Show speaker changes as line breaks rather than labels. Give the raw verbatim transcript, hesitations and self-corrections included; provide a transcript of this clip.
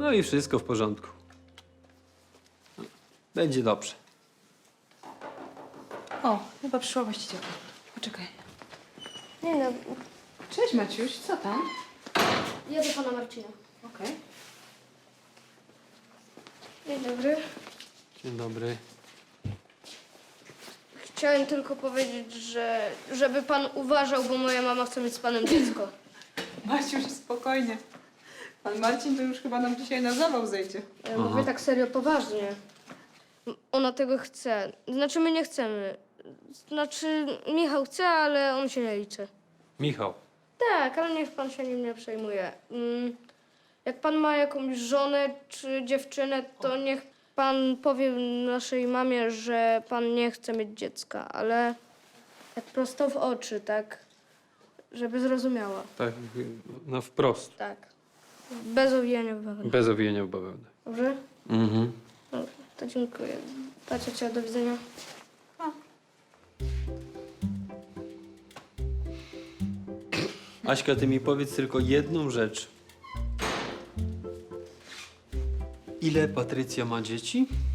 No i wszystko w porządku. Będzie dobrze.
O, chyba przyszła właścicielka. Poczekaj.
Dzień dobry.
Cześć Maciuś, co tam?
Ja do pana Marcina.
Okej.
Dzień dobry.
Dzień dobry.
Chciałem tylko powiedzieć, że żeby pan uważał, bo moja mama chce mieć z panem dziecko.
Maciuś, spokojnie. Pan Marcin to już chyba nam dzisiaj na zawał zejdzie.
Ja mówię tak serio, poważnie. Ona tego chce. Znaczy, my nie chcemy. Znaczy, Michał chce, ale on się nie liczy.
Michał.
Tak, ale niech pan się nim nie przejmuje. Mm, Jak pan ma jakąś żonę czy dziewczynę, to niech pan powie naszej mamie, że pan nie chce mieć dziecka, ale tak prosto w oczy, tak, żeby zrozumiała.
Tak, no wprost.
Tak. Bez owijania w bawełnę.
Bez owijania w bawełnę.
Dobrze?
Mhm.
Dobrze, to dziękuję. Pa, ciocia, do widzenia.
Aśka, ty mi powiedz tylko jedną rzecz. Ile Patrycja ma dzieci?